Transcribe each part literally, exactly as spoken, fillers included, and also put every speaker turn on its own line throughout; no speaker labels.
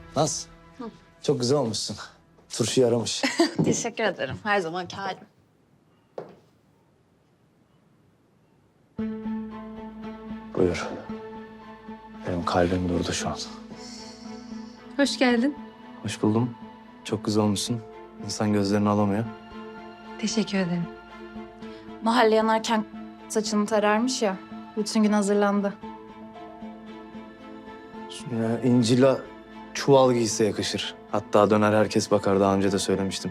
Naz, çok güzel olmuşsun. Turşu yaramış.
Teşekkür ederim. Her zamanki halim.
Buyur. Benim kalbim durdu şu an.
Hoş geldin.
Hoş buldum. Çok güzel olmuşsun. İnsan gözlerini alamıyor.
Teşekkür ederim.
Mahalle yanarken saçını tararmış ya. Bütün gün hazırlandı.
Ya, İncil'a çuval giyse yakışır. Hatta döner herkes bakar. Daha önce de söylemiştim.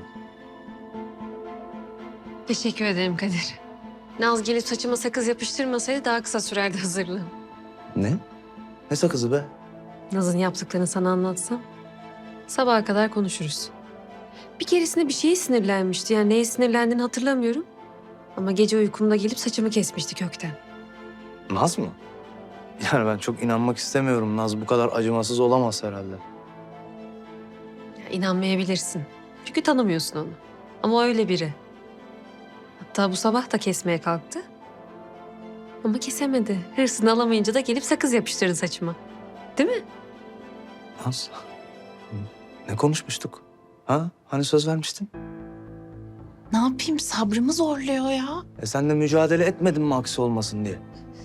Teşekkür ederim Kadir. Naz gelip saçıma sakız yapıştırmasaydı daha kısa sürerdi hazırlığım.
Ne? Ne sakızı be?
Naz'ın yaptıklarını sana anlatsam sabaha kadar konuşuruz. Bir keresinde bir şeye sinirlenmişti. Yani neye sinirlendiğini hatırlamıyorum. Ama gece uykumda gelip saçımı kesmişti kökten.
Naz mı? Yani ben çok inanmak istemiyorum. Naz bu kadar acımasız olamaz herhalde.
Ya, inanmayabilirsin. Çünkü tanımıyorsun onu. Ama o öyle biri. Hatta bu sabah da kesmeye kalktı. Ama kesemedi. Hırsını alamayınca da gelip sakız yapıştırdı saçıma. Değil mi?
Naz, ne konuşmuştuk? Ha? Hani söz vermiştin?
Ne yapayım? Sabrımı zorluyor ya.
E sen de mücadele etmedin mi aksi olmasın diye?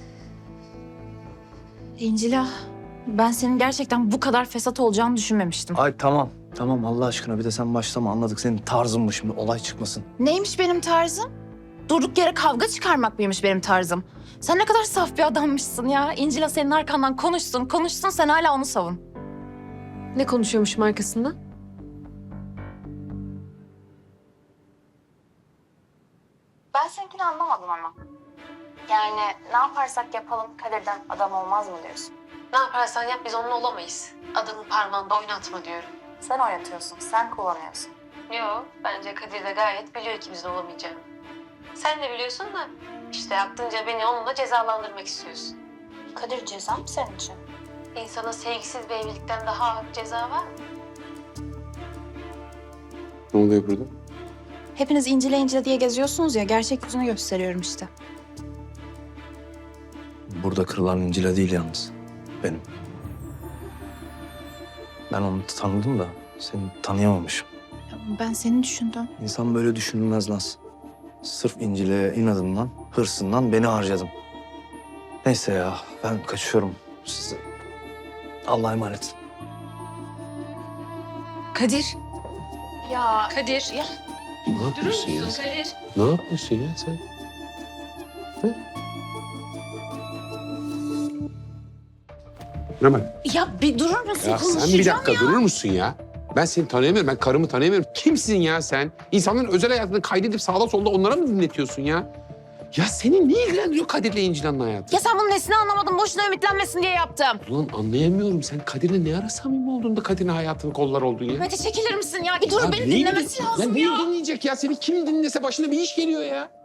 İncila, ben senin gerçekten bu kadar fesat olacağını düşünmemiştim.
Ay tamam, tamam Allah aşkına bir de sen başlama anladık. Senin tarzın mı şimdi olay çıkmasın.
Neymiş benim tarzım? Durduk yere kavga çıkarmak mıymış benim tarzım? Sen ne kadar saf bir adammışsın ya. İncila senin arkandan konuşsun, konuşsun sen hala onu savun.
Ne konuşuyormuşum arkasından?
Ben seninkini anlamadım ama. Yani ne yaparsak yapalım Kadir'den adam olmaz mı diyorsun?
Ne yaparsan yap biz onunla olamayız. Adamın parmağında oynatma diyorum.
Sen oynatıyorsun, sen kullanıyorsun.
Yok, bence Kadir de gayet biliyor ikimizin olamayacağını. Sen de biliyorsun da işte aklınca beni onunla cezalandırmak istiyorsun.
Kadir ceza mı senin için?
İnsana sevgisiz bir evlilikten daha ağır bir ceza var mı?
Ne oluyor burada?
Hepiniz incile incile diye geziyorsunuz ya, gerçek yüzünü gösteriyorum işte.
Burada kırılan İncil'e değil yalnız. Benim. Ben onu tanıdım da seni tanıyamamışım.
Ben seni düşündüm.
İnsan böyle düşünülmez Naz. Sırf İncil'e inadından, hırsından beni harcadım. Neyse ya ben kaçıyorum. Size Allah'a emanet.
Kadir.
Ya
Kadir.
Ya.
Ne yapıyorsun ya?
Kadir?
Ne yapıyorsun ya sen? Ne var?
Ya bir durur musun?
Ya sen
Konuşacağım
bir dakika
ya.
durur musun ya? Ben seni tanıyamıyorum, ben karımı tanıyamıyorum. Kimsin ya sen? İnsanların özel hayatını kaydedip sağda solda onlara mı dinletiyorsun ya? Ya seni ne ilgilendiriyor Kadir'le İncilan'ın hayatı?
Ya sen bunun nesini anlamadın? Boşuna ümitlenmesin diye yaptım.
Ulan anlayamıyorum. Sen Kadir'le ne ara samimi oldun da Kadir'in hayatını kollar oldun ya?
Mete çekilir misin ya? Bir dur
Ya
beni
neyi
dinlemesi
din-
lazım
ya.
ya.
Neyi dinleyecek ya? Seni kim dinlese başına bir iş geliyor ya.